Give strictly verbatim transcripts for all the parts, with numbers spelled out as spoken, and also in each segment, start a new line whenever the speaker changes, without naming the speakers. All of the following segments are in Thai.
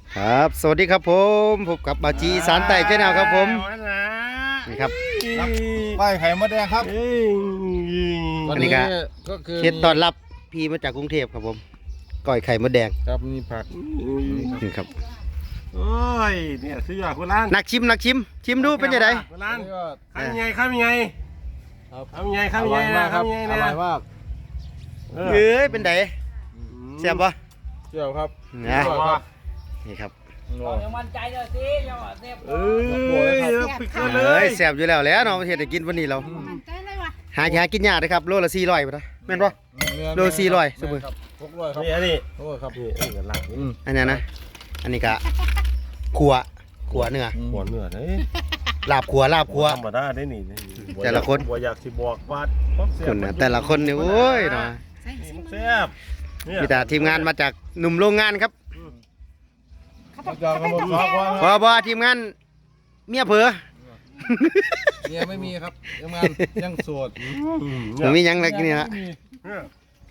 ครับสวัสดีครับผมพบกับบาจีสารไต่เจ้าแนวครับผมนี่ครับ
ไปไข่มดแดงครับ
อันนี้ก็
ก็คือ
เคสต้อนรับพี่มาจากกรุงเทพครับผมก้อยไข่มดแดง
ครับนี่ผัก
นี่ครับ
โอ้ยเนี่ยซื้อหยอดคนร้าน
นักชิมนักชิมชิมดูเป็นยังไง
คนร้าน
นี่ก็
ข้ามยังไงข้ามยังไง
ครับ
ข้ามยังไง
อ
ข้ามยัง
ร่
ไง
อยมากครับ
ข้ามยังไง
อ
นะ
ร่อยมาก
เอ
เอ้
อย
เป็นไงแซ่บปะ
เจียวครับ
นะ
อร่อยครับ
นี่ครับ
อร่อย
เดี๋ยวมันใจเดี๋ยวสิเดี๋ยวอ่ะเซฟ
เอ้ยปิดกันเล
เอ้
ย
ยแซ่บอยู่แล้วแหล้วเนาะประเทศได้กินวันนี้เรา
มันใจเลยวะ
หาหากินยากเลยครับโลละสี่ร้อยปะนะแม่นปะ โลสี่ร้อยสมมุติ
ครับหกร้อยครับ
นี่อันนี้
หกร้อยครับ
นี่อันนี้กันหลัง
อืม
อันนี้นะอันนี้ก็ขัวขัวเนื้อ
หัวเนื้อเฮ้ย
ลาบขัวลาบขัว
ธรรมดาได้นี่
แต่ละคน
บัวอยากสิบอกว่า
คนนะแต่ละคนนี่โอ้ยเนาะ
ใส่สิ
แซ่บเนี่ย
มีแต่ทีมงานมาจากหนุ่มโรงงานครับ
เขาจะกำหนดซอกว่า
พอบอทีมงานเมียเผลอ
เมียไม่มีครับยังงานยังโสด
ผมมีหยังอะไรกินนี่ละ
เนี่ย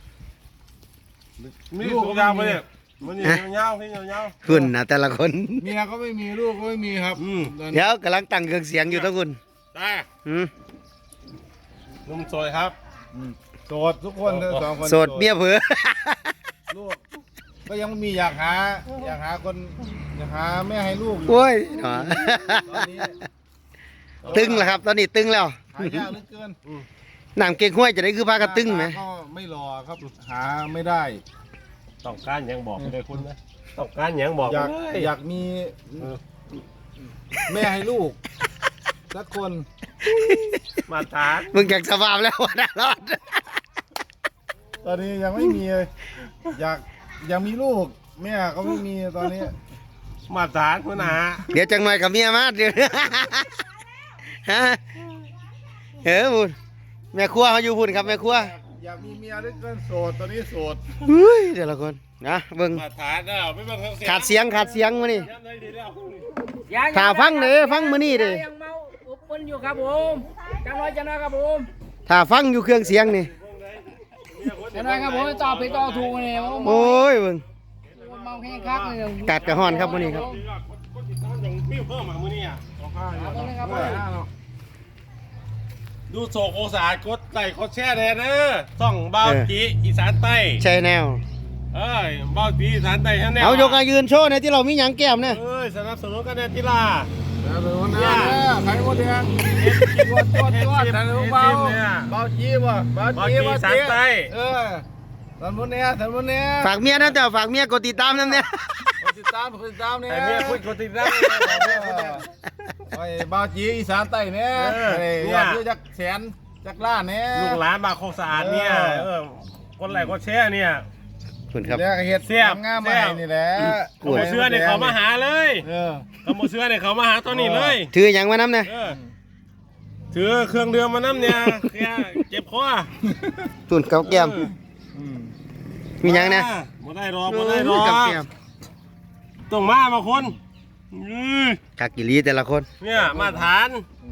มีสุกยาวไปเนี่ยมันนี่ยาวๆพี่ยาว
คุณนะแต่ละคน
เมียก็ไม่มีลูกก็ไม่มีครับ
ๆอืม
ตอนนี้
เดี๋ยวกำลังตั้งเครื่องเสียงอยู่ทั้งคุณ
ได้
อืม
นุ่มซอยครับ
อืมโสดทุกคนทั้งสองคน
โสดเมียเผลอ
ลูกก็ยังมีอยากหาอยากหาคนอยากหาแม่ให้ลูกอยู่
โอ้ยเนาะ
ตอนนี้
ตึงแล้วครับ ตอนนี้ตึงแล้ว
หายากเหลือเกิน
หนังเก่งห้วยจะได้คือพากันตึงไหม
ก็ไม่รอครับ หาไม่ได้
ต้องการหยังบอกไปเลยคุณนะต้องการหยังบอก
อยาก
ไปเลย
อยากมีแม่ให้ลูกสักคน
มาทาน
มึงอยากสบายแล้ววันนั้นรอด
ตอนนี้ยังไม่มีเลยอยากอยากมีลูก แม่ก็ไม่มีตอนนี้
มาทานคุณอา
เดี๋ยวจังหน่อยกับเมียมาเดี๋ยวฮะเออพูดแม่ครัวเขาอยู่พูดครับแม่ครัว
อยากมีเมียด้วยกันโสดตอนนี้โสด
เฮ้ยแต่ละคนนะเบิ่ง
มาทานเด้อไม่บังคับ
ขาดเสียงขาดเสียงมานี่
ย้ำเลยดีแล้ว
อย่อย่
ถ้าฟังเด้อฟังมื้อนี้เด้อ
ยังเมาอุบมันอยู่ครับผมจังน้อยจังน้อยครับผม
ถ้าฟังอยู่เครื่องเสียงนี่
จังน้อยครับผมตอบผิดตอบถูกเนี่ยผม
โอ้ยเบิ่ง
เมาแห้งคักเลย
กัดกระห้อนครับมื้อนี้ครับ
อย่างปิ้วเพิ่มมามื้อนี้อ่ะ
เอาตรงนี้ครับผม
ดูโศกโอสารกดไลค์กดแชร์แน่เด้อส่องเบาจีอีสานใต้
ใช่แนว
เอ้ยเบาจีอีสานใต้แน่
เอายกอายืนโชว์ในที่เรามีหยังแก้มเนี่ย
เอ้ยสนับสนุนกันแน่ที่ล่ะ
แล้วเป็นวันนั้นเนี่ยไข่มดแดงตัวตัวตัวแต่ลูกเบาเบาจีบ่เบา
เบา
จี
จี
เบา
อีสาน
จี
ใต้
เออสันมุนเนี่ยสันมุนเนี่ย
ฝากเมียนะเจ้าฝากเมียกดติดตามนั่นเนี่ย
คนติดตามคนติดตามเนี่ย
แต่เมียคุยคนติดตาม
ไอ้เบาจีอีสานใต้เนี่ย
เออ
ไอ้อยากอยู่จักแสนจักล้านเนี่ย
ลูกหลานบาโคกสะอาดเนี่ยเออกดไลค์กดแชร์เนี่ย
คุณครับ
แล้วก็เฮ็ด
แซ่บ
งามๆมาให้นี่แหละ
ขโมยเสื้อเนี่ยเขามาหาเลย
เออ
ขโมยเสื้อเนี่ยเขามาหาตัวนี้เลย
ถือหยังมาน้ำเนี่ย
เออถือเครื่องเดือมมาน้ำเนี่ยแค่เจ็บคอ
ตุนกับแก้ม
อืม
มีหยังเนี่ย
บ่ได้รอกบ่ได้รอ
กับ
ก
แก้ม
ต้องมามาคนอื้อ
กักกิลีแต่ละคน
เนี่ยมาฐาน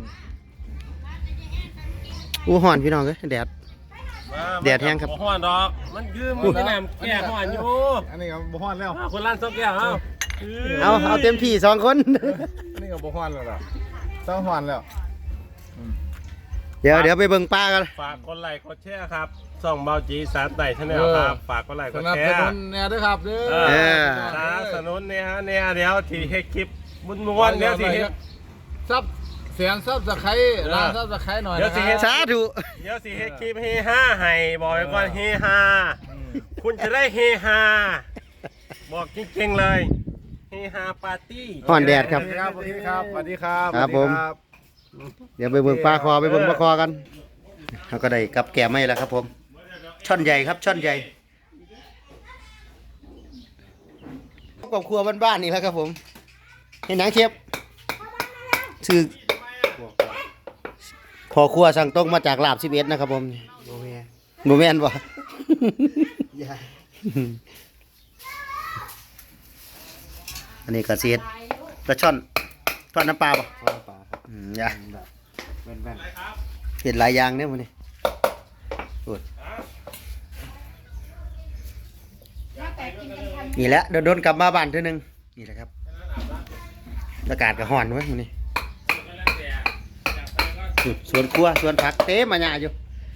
อู้ห่อนพี่น้องเอ้ยแดด
มา
แดดแห้งครับ
ห้อนดอก มันคือมันเป็นน้ำแก่ห้อนอยู่
อันนี้ก็บ่ฮ้อนแล้ว
อ้าวคนร้านซอกแก้วเอ้า
เอาเอาเต็มที่สองคน
อันนี้ก็บ่ฮ้อนแล้วล่ะต้องฮ้อนแล้ว
เดี๋ยวเดี๋ยวไปเบิ่งป้ากัน
ฝากกดไลค์กดแชร์ครับส่องเบาจีสารไต่ชาแนลครับฝากกดไลค์ก
ส
ด
นับ
แช
ส
ร์
นุนแน่ด้วยครับเด้
เอ
อ
อสนับสนุนเนี่ยฮะเนี่ยเดี๋ยวที่ให้คลิปมุนม้วนๆเดี๋ยวที่ให้
ซับเสียงซับสไครร้านซับสไครหน่อย
เดี๋ยว
นะ
สิ
ค
เฮ็
รั
ด
บ
สาธุ
เดี๋ยวสิให้คลิปเฮฮาให้บอกไว้ก่อนเฮฮาคุณจะได้เฮฮาบอกจริงๆเลยเฮฮาปาร์ตี้
ห่อนแดดครับ
สวัสดีครับสวัสดีครับ
ครับผม เดี๋ยวไปเบิ่งปลาคอไปเบิ่งปลาคอกันเขาก็ได้กับแก้มไม่แล้วครับผม ช่อนใหญ่ครับช่อนใหญ่กับครัวบ้านๆนี่แหล้วครับผม เห็นหนังเชฟชื่อพอครัวสั่งตรงมาจากลาบสิบเอ็ดนะครับผมโมแมนบ่ อันนี้ก็เสียดปลาช่อนทอดน้ำปลาป่ะอืมอย่าเห็นหลายอย่างเนี่ยมันนี่โอ้ยนี่แหละโดนๆกลับมาบ้านเท่านึงนี่แหละครับอากาศก็ร้อนเว้ยมื้อนี้อืมสวนครัวสวนผักเต็มมาหยาอยู่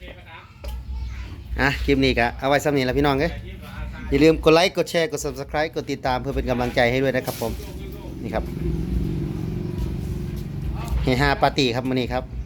อ่ะคลิปนี้ก็เอาไว้ซ้ำนี้ละพี่น้องเอ้ยอย่าลืมกดไลค์กดแชร์กด Subscribe กดติดตามเพื่อเป็นกำลังใจให้ด้วยนะครับผมนี่ครับเฮฮาปาร์ตี้ครับมื้อนี้ครับ